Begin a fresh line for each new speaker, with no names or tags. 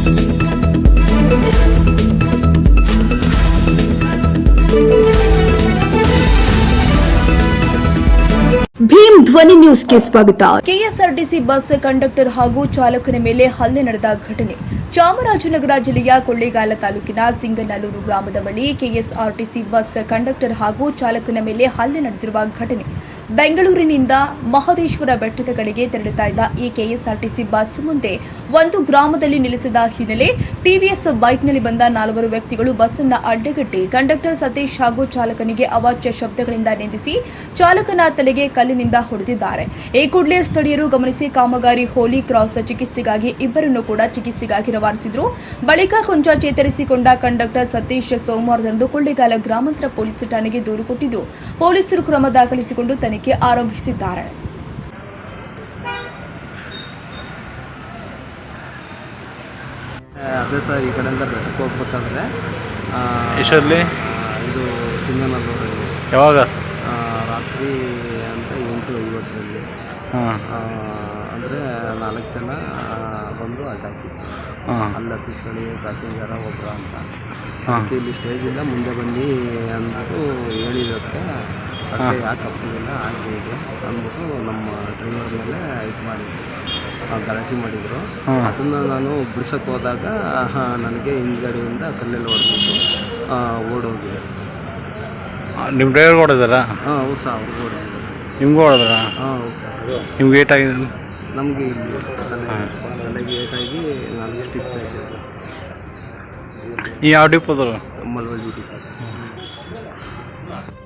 ಭೀಮ್ ಧ್ವನಿ ನ್ಯೂಸ್ಗೆ ಸ್ವಾಗತ. ಕೆಎಸ್ಆರ್ಟಿಸಿ ಬಸ್ ಕಂಡಕ್ಟರ್ ಹಾಗೂ ಚಾಲಕನ ಮೇಲೆ ಹಲ್ಲೆ ನಡೆದ ಘಟನೆ ಚಾಮರಾಜನಗರ ಜಿಲ್ಲೆಯ ಕೊಳ್ಳೇಗಾಲ ತಾಲೂಕಿನ ಸಿಂಗನಲ್ಲೂರು ಗ್ರಾಮದ ಬಳಿ ಕೆಎಸ್ಆರ್ಟಿಸಿ ಬಸ್ ಕಂಡಕ್ಟರ್ ಹಾಗೂ ಚಾಲಕನ ಮೇಲೆ ಹಲ್ಲೆ ನಡೆದಿರುವ ಘಟನೆ. ಬೆಂಗಳೂರಿನಿಂದ ಮಹದೇಶ್ವರ ಬೆಟ್ಟದ ಕಡೆಗೆ ತೆರಳುತ್ತಾ ಇದ್ದ ಈ ಕೆಎಸ್ಆರ್ಟಿಸಿ ಬಸ್ ಮುಂದೆ ಒಂದು ಗ್ರಾಮದಲ್ಲಿ ನಿಲ್ಲಿಸಿದ ಹಿನ್ನೆಲೆ ಟಿವಿಎಸ್ ಬೈಕ್ನಲ್ಲಿ ಬಂದ 4 ವ್ಯಕ್ತಿಗಳು ಬಸ್ ಅನ್ನು ಅಡ್ಡಗಟ್ಟಿ ಕಂಡಕ್ಟರ್ ಸತೀಶ್ ಹಾಗೂ ಚಾಲಕನಿಗೆ ಅವಾಚ್ಯ ಶಬ್ದಗಳಿಂದ ನಿಂದಿಸಿ ಚಾಲಕನ ತಲೆಗೆ ಕಲ್ಲಿನಿಂದ ಹೊಡೆದಿದ್ದಾರೆ. ಈ ಕೂಡಲೇ ಸ್ಥಳೀಯರು ಗಮನಿಸಿ ಕಾಮಗಾರಿ ಹೋಲಿ ಕ್ರಾಸ್ ಚಿಕಿತ್ಸೆಗಾಗಿ ಇಬ್ಬರನ್ನು ಕೂಡ ಚಿಕಿತ್ಸೆಗಾಗಿ ರವಾನಿಸಿದರು. ಬಳಿಕ ಕೊಂಚ ಚೇತರಿಸಿಕೊಂಡ ಕಂಡಕ್ಟರ್ ಸತೀಶ್ ಸೋಮವಾರದಂದು ಕೊಳ್ಳೇಗಾಲ ಗ್ರಾಮಾಂತರ ಪೊಲೀಸ್ ಠಾಣೆಗೆ ದೂರು ಕೊಟ್ಟಿದ್ದು ಪೊಲೀಸರು ಕ್ರಮ ದಾಖಲಿಸಿಕೊಂಡು ತನಿಖೆ ಆರಂಭಿಸಿದ್ದಾರೆ.
ಅದೇ ಸರ್, ಈ ಕಡೆಯಿಂದ ಬೆಟ್ಟಕ್ಕೆ ಹೋಗ್ಬೇಕಾದ್ರೆ
ಎಷ್ಟರಲ್ಲಿ
ಇದು ಸಿಂಗನಲ್ಲೂರಲ್ಲಿ
ಯಾವಾಗ
ರಾತ್ರಿ ಅಂತ 8:50 ಅಂದರೆ 4 ಜನ ಬಂದು ಅಡ್ಡಾಕಿತ್ತು. ಅಲ್ಲಿ ಹತ್ತಿಸ್ಕೊಳ್ಳಿ ಪ್ಯಾಸೆಂಜರ ಒಬ್ಬರು ಅಂತ ಇಲ್ಲಿ ಸ್ಟೇಜಿಂದ ಮುಂದೆ ಬನ್ನಿ ಅಂದ್ಬಿಟ್ಟು ಹೇಳಿದಕ್ಕೆ ಅಷ್ಟೇ ಯಾಕೆ ಹತ್ತಿಲ್ಲ ಹಾಗೆ ಹೀಗೆ ಅಂದ್ಬಿಟ್ಟು ನಮ್ಮ ಡ್ರೈವರ್ ಮೇಲೆ ಇದು ಮಾಡಿದ್ರು, ಗಲಾಟೆ ಮಾಡಿದರು. ಅದನ್ನು ನಾನು ಬಿಡ್ಸೋಕ್ಕೆ ಹೋದಾಗ ನನಗೆ ಹಿಂದ್ಗಡೆಯಿಂದ ಕಲ್ಲೆಲ್ಲ ಹೊಡೆದ್ಬಿಟ್ಟು ಓಡೋಗಿದೆ.
ನಿಮ್ಮ ಡ್ರೈವರ್ಗೆ ಹೊಡೆದಾರ?
ಹೌದು ಸರ್, ಅವ್ರಿಗೆ ಹೊಡೆದಿದ್ದಾರೆ.
ನಿಮಗೂ ಹೊಡೆದಾರ?
ಹೌದು ಸರ್.
ನಿಮ್ಗೆ ಏಟಾಗಿದೆ?
ನಮಗೆ ಇಲ್ಲಿ ತಲೆಗೆ ಏಟಾಗಿ ನನಗೆ ಸ್ಟಿಚ್ ಆಗಿದೆ.
ಈ ಯಾವ ಡಿಪೋದರು?
ಮಲ್ವಲ್ ಡ್ಯೂಟಿ ಸರ್.